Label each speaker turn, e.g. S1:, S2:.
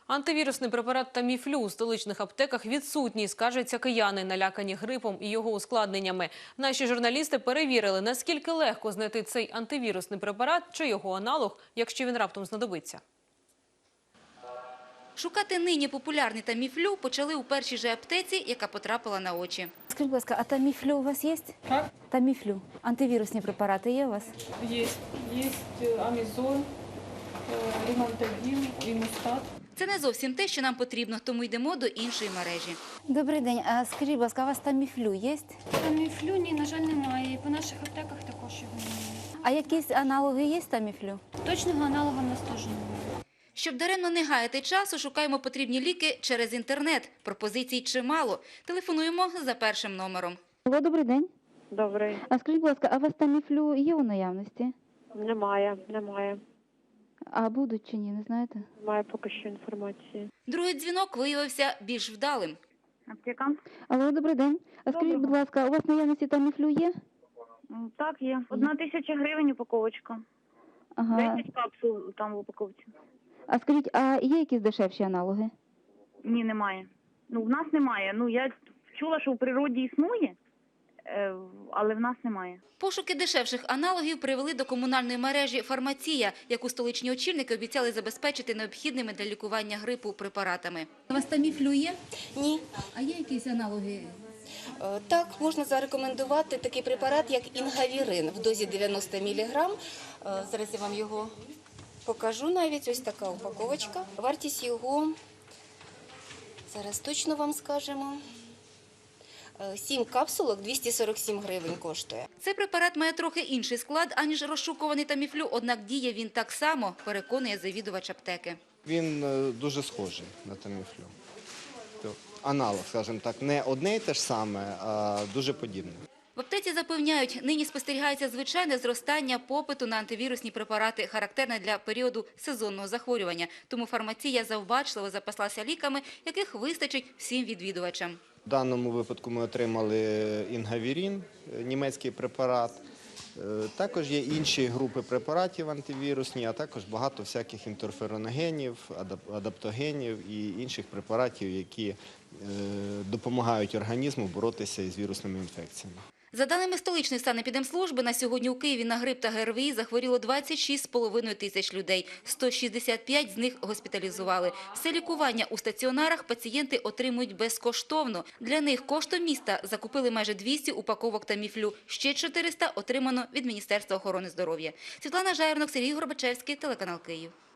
S1: Антивірусний препарат «Таміфлю» у столичних аптеках відсутній, скаржаться кияни, налякані грипом і його ускладненнями. Наші журналісти перевірили, наскільки легко знайти цей антивірусний препарат чи його аналог, якщо він раптом знадобиться.
S2: Шукати нині популярний «Таміфлю» почали у першій же аптеці, яка потрапила на очі.
S3: Скажіть, будь ласка, а «Таміфлю» у вас є?
S4: Как?
S3: «Таміфлю». Антивірусні препарати є у вас?
S4: Есть. Есть амизол, римантадин, имустат.
S2: Це не зовсім те, що нам потрібно, тому йдемо до іншої мережі.
S3: Добрий день. А скажіть, будь ласка, у вас «Таміфлю» є?
S5: Таміфлю, ні, на жаль, немає. І по наших аптеках також його немає.
S3: А якісь аналоги є «Таміфлю»?
S5: Точного аналога в нас теж немає.
S2: Щоб даремно не гаяти часу, шукаємо потрібні ліки через інтернет. Пропозицій чимало. Телефонуємо за першим номером.
S3: Алло, добрий день.
S6: Добрий.
S3: А скажіть, будь ласка, а у вас «Таміфлю» є у наявності?
S6: Немає.
S3: А будуть чи ні, не знаєте?
S6: Немає поки що інформації.
S2: Другий дзвінок виявився більш вдалим.
S7: Аптека?
S3: Алло, добрий день. А скажіть, будь ласка, у вас в наявності «Таміфлю» є?
S7: Так, є. 1000 гривень упаковочка.
S3: Ага.
S7: 10 капсул там в упаковці.
S3: А скажіть, а є якісь дешевші аналоги?
S7: Ні, немає. В нас немає. Я чула, що в природі існує, але в нас немає.
S2: Пошуки дешевших аналогів привели до комунальної мережі «Фармація», яку столичні очільники обіцяли забезпечити необхідними для лікування грипу препаратами.
S8: У вас «Таміфлю» є?
S9: Ні.
S8: А є якісь аналоги?
S9: Так, можна зарекомендувати такий препарат, як інгавірин в дозі 90 мг. Зараз я вам його покажу навіть. Ось така упаковочка. Вартість його, зараз точно вам скажемо, 7 капсулок 247 гривень коштує.
S2: Цей препарат має трохи інший склад, аніж розшукуваний «Таміфлю», однак діє він так само, переконує завідувач аптеки.
S10: Він дуже схожий на «Таміфлю». Аналог, скажімо так, не одне й те ж саме, а дуже подібне.
S2: В аптеці запевняють, нині спостерігається звичайне зростання попиту на антивірусні препарати, характерне для періоду сезонного захворювання. Тому фармація завбачливо запаслася ліками, яких вистачить всім відвідувачам.
S10: В даному випадку ми отримали інгавірин, німецький препарат. Також є інші групи препаратів антивірусні, а також багато всяких інтерфероногенів, адаптогенів і інших препаратів, які допомагають організму боротися із вірусними інфекціями.
S2: За даними столичної санепідемслужби, на сьогодні у Києві на грип та ГРВІ захворіло 26,5 тисяч людей. 165 з них госпіталізували. Все лікування у стаціонарах пацієнти отримують безкоштовно. Для них коштом міста закупили майже 200 упаковок «Таміфлю». Ще 400 отримано від Міністерства охорони здоров'я. Світлана Жаєрнок, Сергій Горбачевський, телеканал «Київ».